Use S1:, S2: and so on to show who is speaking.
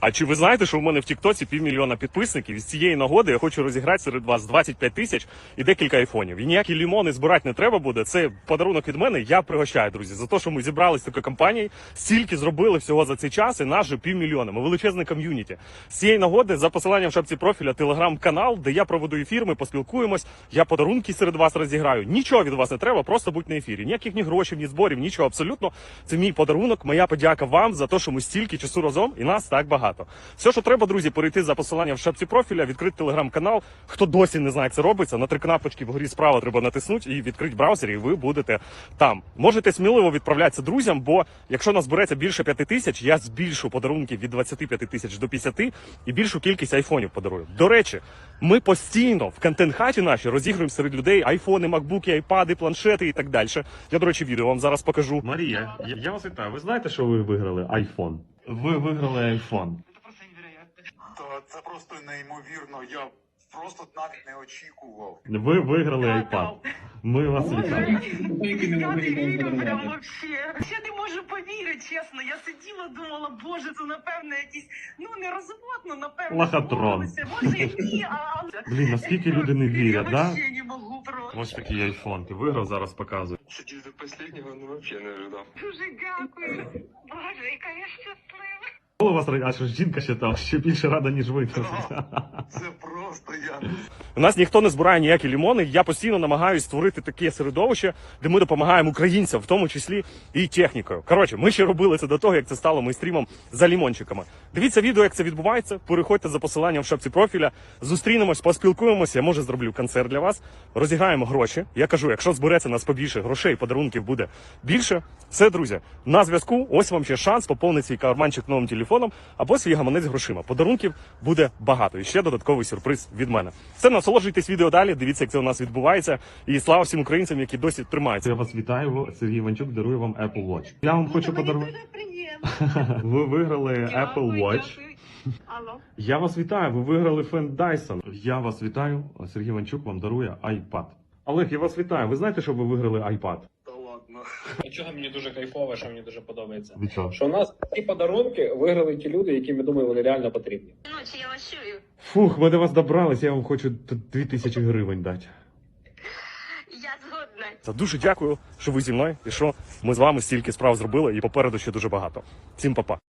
S1: А чи ви знаєте, що в мене в Тіктоці 500 000 підписників? І з цієї нагоди я хочу розіграти серед вас 25 тисяч і декілька айфонів. І ніякі лімони збирати не треба буде. Це подарунок від мене. Я пригощаю, друзі, за те, що ми зібрались такою компанією, стільки зробили всього за цей час, і нас же 500 000. Ми величезне ком'юніті. З цієї нагоди за посиланням в шапці профіля телеграм-канал, де я проведу ефір, ми поспілкуємось, я подарунки серед вас розіграю. Нічого від вас не треба, просто будь на ефірі. Ніяких ні грошей, ні зборів, нічого абсолютно. Це мій подарунок, моя подяка вам за те, що ми стільки часу разом і нас так багато. Все, що треба, друзі, перейти за посиланням в шапці профіля, відкрити телеграм-канал. Хто досі не знає, як це робиться, на 3 кнопочки вгорі справа треба натиснути і відкрити браузер, і ви будете там. Можете сміливо відправлятися друзям, бо якщо нас збереться більше 5 тисяч, я збільшу подарунки від 25 тисяч до 50 і більшу кількість айфонів подарую. До речі, ми постійно в контент-хаті наші розігруємо серед людей айфони, макбуки, айпади, планшети і так далі. Я, до речі, відео вам зараз покажу. Марія, я вас вітаю. Ви знаєте, що ви виграли айфон? Ви виграли айфон.
S2: Це просто неймовірно. Я просто навіть не очікував.
S1: Ви виграли iPad. Ми вас вітаємо.
S3: Я не вірю прям вообще. Я не можу повірити, чесно. Я сиділа, думала, боже, це напевно якісь, не розводно, напевно.
S1: Лохотрон.
S3: Може, ні,
S1: Блін, наскільки люди не вірять,
S3: я
S1: да?
S3: вообще не можу просто.
S1: Ось такий айфон. Ти виграв, зараз показую.
S4: Сидеть до последнего, вообще не ожидал.
S3: Дуже дякую. Боже, яка я щаслива.
S1: Коли вас а що жінка ще там, ще більше рада, ніж ви.
S2: Це просто я.
S1: У нас ніхто не збирає ніякі лімони. Я постійно намагаюся створити таке середовище, де ми допомагаємо українцям, в тому числі і технікою. Коротше, ми ще робили це до того, як це стало мейстрімом за лімончиками. Дивіться відео, як це відбувається. Переходьте за посиланням в шапці профіля. Зустрінемось, поспілкуємося. Я може зроблю концерт для вас. Розіграємо гроші. Я кажу, якщо збереться нас побільше грошей, подарунків буде більше. Все, друзі, на зв'язку. Ось вам ще шанс поповнити свій карманчик новим телефоном або свій гаманець грошима. Подарунків буде багато. І ще додатковий сюрприз від мене. Все, насолоджуйтесь відео далі, дивіться, як це у нас відбувається. І слава всім українцям, які досі тримаються. Я вас вітаю, Сергій Іванчук дарує вам Apple Watch. Я вам хочу подарувати.
S3: Дуже приємно.
S1: Ви виграли Apple Watch.
S3: Алло.
S1: Я вас вітаю, ви виграли фен Dyson. Я вас вітаю, Сергій Іванчук вам дарує iPad. Олег, я вас вітаю. Ви знаєте, що ви виграли iPad?
S2: Та ладно.
S5: Чого мені дуже кайфово, що мені дуже подобається.
S1: Від чого?
S5: Що у нас ці подарунки виграли ті люди, які ми думаємо, вони реально потрібні.
S3: Ночі я вас чую.
S1: Фух, ми до вас добрались, я вам хочу 2000 гривень дати.
S3: Я згодна.
S1: Це дуже дякую, що ви зі мною і що ми з вами стільки справ зробили, і попереду ще дуже багато. Всім па-па.